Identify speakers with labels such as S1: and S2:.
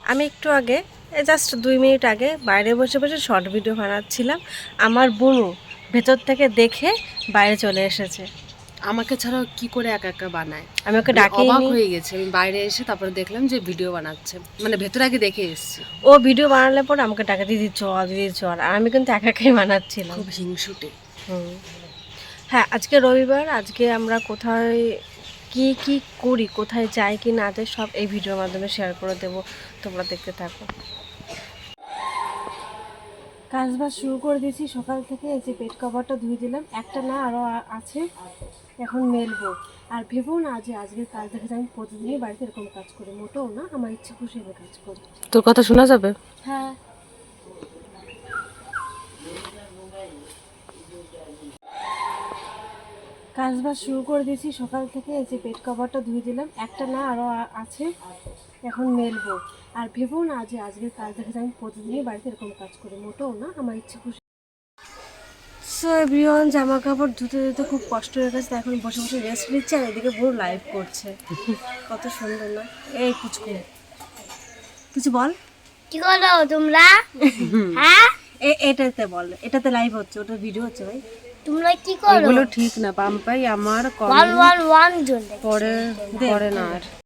S1: আমি একটু আগে জাস্ট 2 মিনিট আগে বাইরে বসে বসে শর্ট ভিডিও বানাচ্ছিলাম। আমার বোনও ভেতর থেকে দেখে বাইরে চলে এসেছে।
S2: আমাকে ছাড়াও কি করে একা একা বানায়,
S1: আমি ওকে
S2: আমি অবাক
S1: ডাকিনি।
S2: হয়ে গেছি। আমি বাইরে এসে তারপরে দেখলাম যে ভিডিও বানাচ্ছে, মানে ভেতরে আগে দেখে এসেছি।
S1: ও ভিডিও বানালে পরে আমাকে ডাকে, দিদি চল দিদি চল, আর আমি কিন্তু একা একাই বানাচ্ছিলাম।
S2: খুব হিংসুটে।
S1: হ্যাঁ, আজকে রবিবার। আজকে আমরা কোথায় কি কি করি, কোথায় যাই কি না যাই, সব এই ভিডিওর মাধ্যমে শেয়ার করে দেবো। তোমরা দেখতে থাকো। কাজ বাজ শুরু করে দিয়েছি সকাল থেকে। এই যে বেড কভারটা ধুয়ে দিলাম, একটা না আরও আছে, এখন মেলবো। আর ভেবো না যে আজকের কাজ দেখে আমি প্রতিদিনই বাড়িতে এরকম কাজ করি, মোটেও না, আমার ইচ্ছে খুশি আমি কাজ করি।
S2: তোর কথা শোনা যাবে?
S1: হ্যাঁ, কাজ বাজ শুরু করে দিয়েছি সকাল থেকে। এই যে বেড কভারটা ধুয়ে দিলাম, একটা না আরও আছে, এখন মেলবো। আর ভেবো না যে আজকের কাজ দেখে আমি প্রতিদিনই বাড়িতে এরকম কাজ করি, মোটেও না, আমার ইচ্ছে খুশি। সো এভরিওয়ান, জামা কাপড় ধুতে ধুতে খুব কষ্ট হয়ে গেছে, এখন বসে বসে রেস্ট নিচ্ছে। আর এদিকে পুরো লাইভ করছে, কত সুন্দর না? এই পুচকু, কিছু বল।
S3: কি করো তোমরা? হ্যাঁ,
S1: এটাতে বল, এটাতে লাইভ হচ্ছে, ওটা ভিডিও হচ্ছে ভাই।
S3: তোমরা কি করো?
S2: এগুলো ঠিক না পাম্পাই, আমার
S3: ওয়ান ওয়ান ওয়ান জন
S2: পরে করে না আর।